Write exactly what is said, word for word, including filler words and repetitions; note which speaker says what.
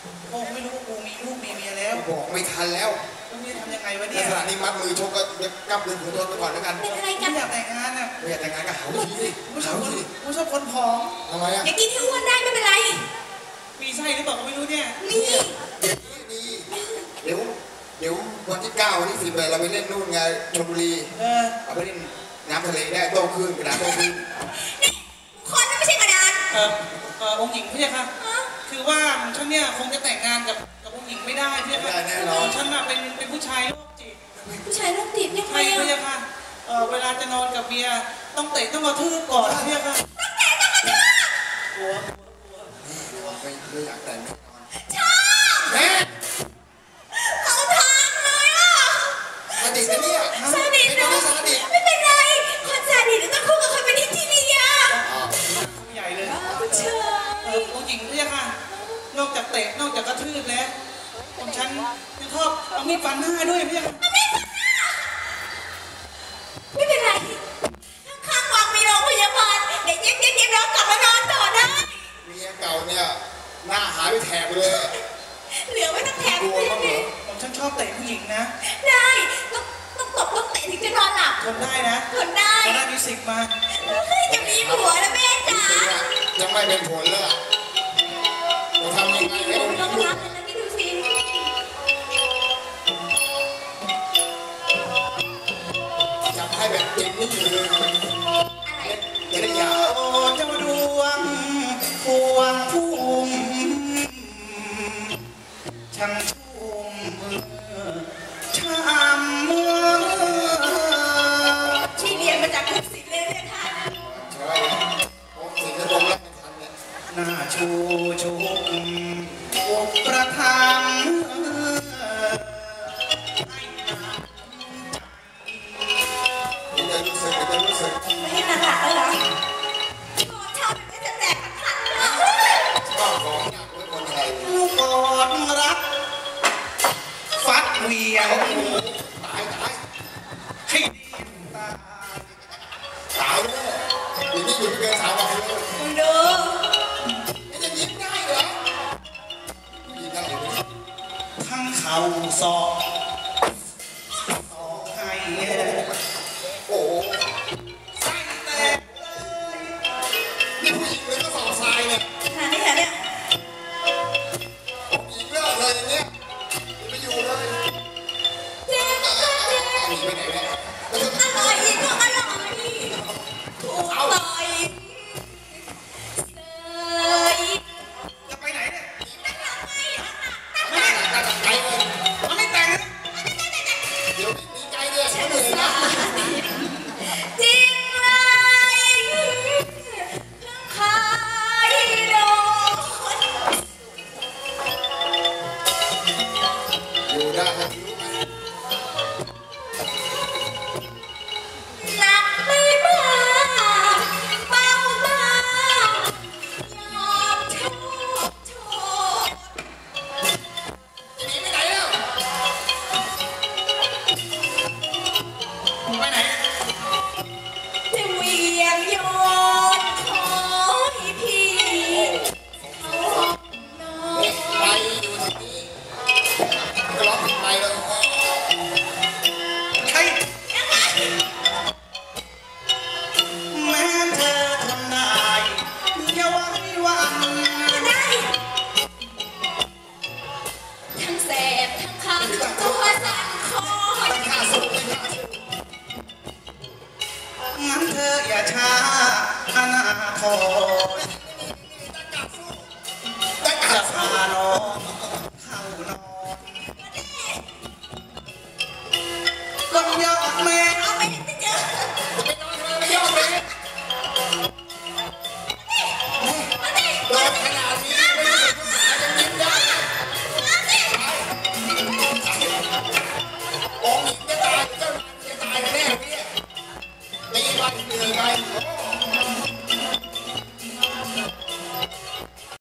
Speaker 1: โอ้ไม่รู้ว่ากูมีลูกมีเมียแล้ว
Speaker 2: บอกไม่ทันแล้ว
Speaker 1: กูจะทำยังไงวะเนี่ย
Speaker 2: ขณะนี้มัดมือชกก็กลับเรื่องของตัวไปก่อนแล้วกัน
Speaker 3: เป็นอะไรกัน
Speaker 1: อยากแต่งงานอ่ะ
Speaker 2: ไม่อยากแต่งงานก็หาวิธีสิ
Speaker 1: กูชอบคนกูชอบคนผอม
Speaker 2: ทำไมอ่ะ
Speaker 3: อย่ากินที่อ้วนได้ไม่เป็นไร
Speaker 1: มีไส้หรือเปล่าก็ไม่รู้เนี่ย
Speaker 3: มี
Speaker 2: เดี๋ยวเดี๋ยววันที่เก้าวันที่สิบเลยเราไปเล่นนู่นไงชลบุรี
Speaker 1: เออ
Speaker 2: เอาไปเล่นน้ำทะเลได้โตขึ้นกระดาษโตขึ้น
Speaker 3: คนนั้นไม่ใช่กระดาน
Speaker 1: เออเออองค์หญิงพี่ค่ะคือว่าฉันเนี่ยคงจะแต่งงานกับกับองค์หญิงไม่ได้พี่ค่ะ
Speaker 2: แน่นอน
Speaker 1: ฉันน่ะเป็นเป็นผู้ชายโรคจิต
Speaker 3: ผู้ชายโรคจิตยังไง
Speaker 1: พี่ค่ะเออเวลาจะนอนกับเมียต้องเตะต้องกระทืบก่อนพี่ค่ะ
Speaker 3: ต้องเตะต้องกระทืบ
Speaker 1: กลัว
Speaker 2: กลัวไม่ไม่อยากแต่งแน่นอน
Speaker 3: ชอบ
Speaker 2: แม่
Speaker 3: เขาทางเลยอ่ะ
Speaker 2: ซาดิสเนี่ย
Speaker 3: ซาดิสเนาะไม่เป็นไรคนซาดิสต้องคู่กับคนเป็นที่ที่นี่อ่ะ
Speaker 1: ผู้ใหญ่เลย
Speaker 3: เชื่อ
Speaker 1: เออผู้หญิงพี่ค่ะนอกจากเตะนอกจากกระทืบแล้วผมฉันยังชอบเอามีดฟันหน้าด้วยพี่ค่ะ
Speaker 3: ไม่เป็นไรข้างวังมีโรงพยาบาลเดี๋ยวเย็บเย็บเย็บน้องกลับมานอนต่อได้
Speaker 2: เมียเก่าเนี่ยหน้าหายไปแถบเลย
Speaker 3: เหลือไว้ตั้งแถบ
Speaker 2: เลย
Speaker 1: ผมฉันชอบเตะผู้หญิงนะ
Speaker 3: ได้ต้องต้องตบต้องเตะถึงจะนอนหลับ
Speaker 1: ทนได้นะ
Speaker 3: ทนได้
Speaker 1: ทนได้มิวสิกมา
Speaker 3: จะมีผัวแล้วแม่จ๋า
Speaker 2: ยังไม่เป็นผลเลยเราทำยังไงให้มัน
Speaker 3: ต้องรับเลยนะนี่ดูสิ
Speaker 2: อยากให้แบบเจ็บนี่เลยจะได้ยา
Speaker 1: โอ้เจ้าดวงพวงพุ่มช่างชุ่มช่ำเมื่อ
Speaker 3: ที่เรียนมาจากคุณศิลป์เลยเนี่ยท่าน
Speaker 2: ใช่ผมศิลป์ผมรับไม่ทันเนี่ย
Speaker 1: หน้าชูชุกอกประทัง
Speaker 2: จะรู้สึกจะรู้สึก
Speaker 3: ไม่ให้หนักหลักเลยเหรอโอ้ชอบไม่จะแตกขัน
Speaker 2: เลยชอบของหนักเลยคนไทย
Speaker 1: ลูกกอดรักฟัดเวียง
Speaker 2: ตายตาย
Speaker 1: ให้ดีตาย
Speaker 2: ตายเลยอย่างนี้อยู่ไม่เกินสามวันเลย
Speaker 3: ดู
Speaker 2: จะยิ้มได้เหรอยิ้มได้เลย
Speaker 1: ทั้งเข่าศอกศอกให้
Speaker 2: โอ้ไส้แตกนี่ผู้หญิงเลยก็สอบทรายเนี่ย
Speaker 3: หาไม่เห็นเนี่ย
Speaker 2: ผู้หญิงเลิกเลยอย่างเงี้ยไม่อยู่เลย
Speaker 3: เจ๊ก็เจ๊
Speaker 2: หนีไปไหนเนี่ย
Speaker 3: อร่อยอีกก็อร่อยถูกต่อยเสย
Speaker 1: จะไปไหนเนี่ย
Speaker 3: ไม่ทำไม
Speaker 2: ไม่ได้ตัดใจเลย
Speaker 1: มันไม่แต่ง
Speaker 2: เดี๋ยวดีใจเลยฉันเลยนะ
Speaker 3: จริงเลยขายโดน
Speaker 2: อยู่ได้นะ
Speaker 3: หนักไม่มากเบามากยอมโทษโทษ
Speaker 2: จะหนีไปไหนแล้ว
Speaker 1: ไปไหน
Speaker 3: จะเวียงโยนขอให้พี่เขานอน
Speaker 2: ไปอยู่ที่นี่ก็ร้องผิดไปเลย
Speaker 1: ใครแม้เธอทำได้อย่าไว้วัน
Speaker 3: ได้ทั้งแสบทั้งคันตัวสั่นคอ
Speaker 1: งั้นเธออย่าช้าอนาคตจะพาน้อง